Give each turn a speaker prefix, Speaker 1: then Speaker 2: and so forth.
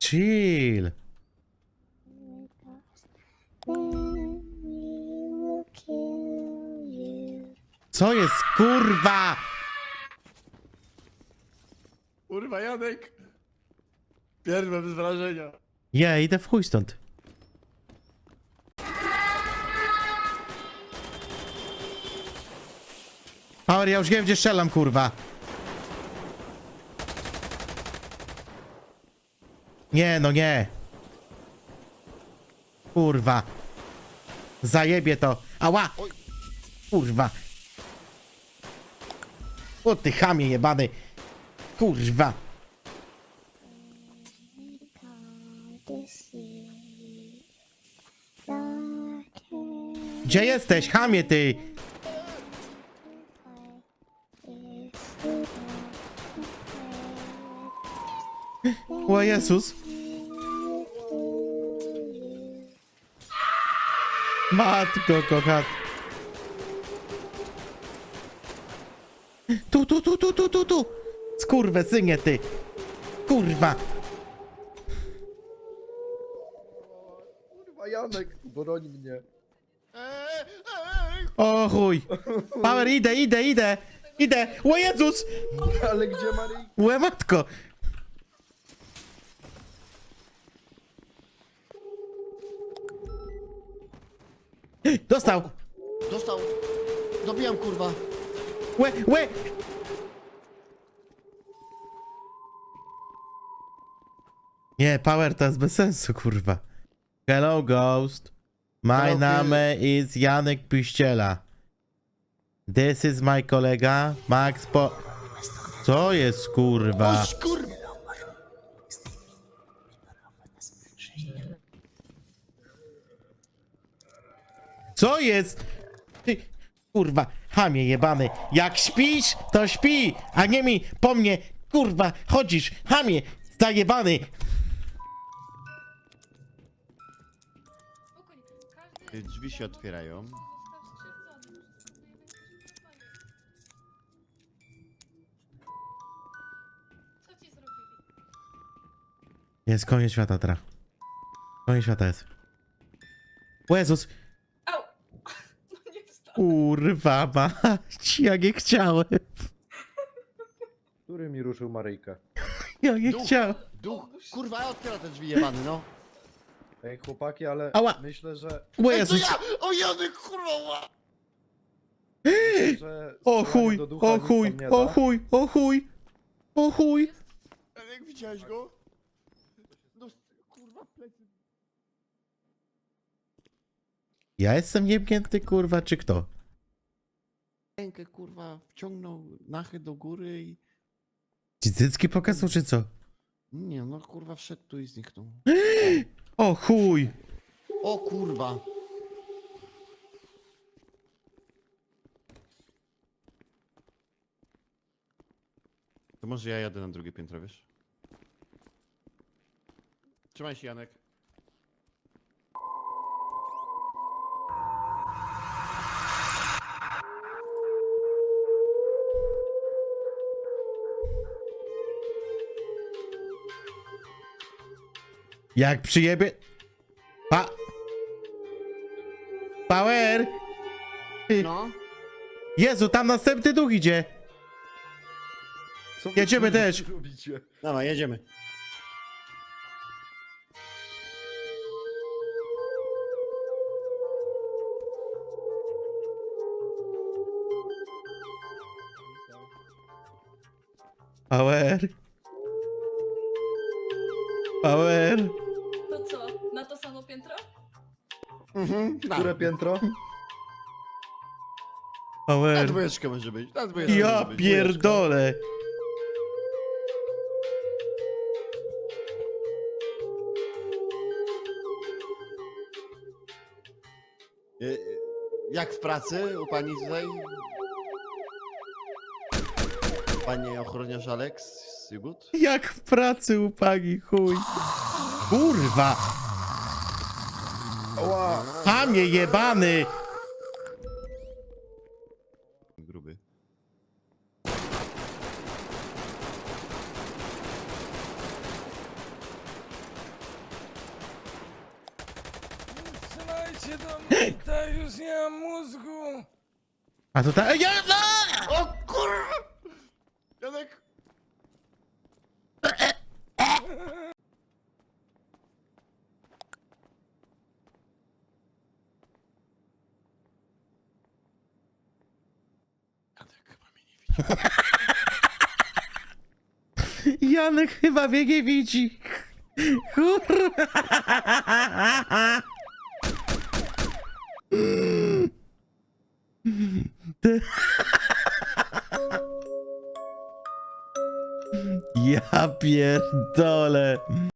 Speaker 1: chill. Co jest, kurwa?
Speaker 2: Kurwa, Janek! Pierwsze bez wrażenia.
Speaker 1: Ja idę w chuj stąd. Power, ja już wiem, gdzie strzelam, kurwa. Nie, no nie. Kurwa. Zajebie to. Ała! Kurwa. O ty chamie jebany. Kurwa. Gdzie jesteś, chamie ty? O Jezus. Matko kochana. Tu. Skurwysynie ty. Kurwa.
Speaker 2: Kurwa, Janek, broni mnie.
Speaker 1: O chuj. Power, idę. O Jezus.
Speaker 2: Ale gdzie Maryjka?
Speaker 1: Łe matko. Dostał.
Speaker 2: Dostał. Dobijam, kurwa.
Speaker 1: Łe. Nie, Power to jest bez sensu, kurwa. Hello, Ghost. My
Speaker 2: Hello,
Speaker 1: name is Janek Piściela. This is my kolega, Max Po... Co jest, kurwa?
Speaker 2: Oś, kurwa!
Speaker 1: Co jest? Ty, kurwa, chamie jebany. Jak śpisz, to śpi, a nie mi po mnie, kurwa, chodzisz, chamie, zajebany.
Speaker 3: Drzwi się otwierają.
Speaker 4: Co ci zrobili?
Speaker 1: Jest koniec świata teraz. Koniec świata jest. O Jezus.
Speaker 4: Au! No nie wstał.
Speaker 1: Kurwa mać, ja nie chciałem.
Speaker 2: Który mi ruszył Maryjkę?
Speaker 1: Ja nie chciałem.
Speaker 3: Duch! Kurwa, otwiera te drzwi jebany, no!
Speaker 2: Ej, chłopaki, ale
Speaker 1: Ała.
Speaker 2: myślę, że...
Speaker 1: O
Speaker 3: Ej, to
Speaker 1: Jezus.
Speaker 3: ja! O Janek, kurwa!
Speaker 2: że
Speaker 1: O
Speaker 2: strzelanie
Speaker 1: chuj,
Speaker 2: do ducha
Speaker 1: o
Speaker 2: nic
Speaker 1: chuj,
Speaker 2: nam nie
Speaker 1: o
Speaker 2: da.
Speaker 1: chuj, o chuj, o chuj.
Speaker 3: Jak widziałeś go? No, kurwa, plecy.
Speaker 1: Ja jestem niepnięty, kurwa, czy kto?
Speaker 3: Rękę, kurwa, wciągnął nachy do góry i...
Speaker 1: Ci cycki pokazał, czy co?
Speaker 3: Nie, no kurwa, wszedł tu i zniknął.
Speaker 1: O chuj.
Speaker 3: O kurwa! To może ja jadę na drugie piętro, wiesz? Trzymaj się, Janek.
Speaker 1: Jak przyjebie... Power! Ty-
Speaker 3: No.
Speaker 1: Jezu, tam następny duch idzie.
Speaker 2: Co wy,
Speaker 1: Jedziemy
Speaker 2: kurwa,
Speaker 1: też.
Speaker 2: robicie?
Speaker 3: Dawaj, jedziemy.
Speaker 1: Power. Power.
Speaker 4: To co? Na to samo piętro?
Speaker 3: Mhm.
Speaker 2: Które piętro?
Speaker 3: Na
Speaker 1: Power.
Speaker 3: dwójeczkę może być. Na dwójeczkę
Speaker 1: Ja
Speaker 3: może być.
Speaker 1: pierdolę.
Speaker 3: Jak w pracy u pani tutaj? Panie ochroniarz Alex z Jugut?
Speaker 1: Jak w pracy u pani, chuj. Kurwa.
Speaker 2: Ała!
Speaker 1: Chamie jebany.
Speaker 3: Gruby.
Speaker 5: Wracajcie do mnie, tak już nie mam mózgu.
Speaker 1: A to ta... Ja, no!
Speaker 3: O kurwa! Janek! Janek chyba mnie nie widzi.
Speaker 1: Janek chyba mnie nie widzi. Kurwa. Ty- Ja pierdolę.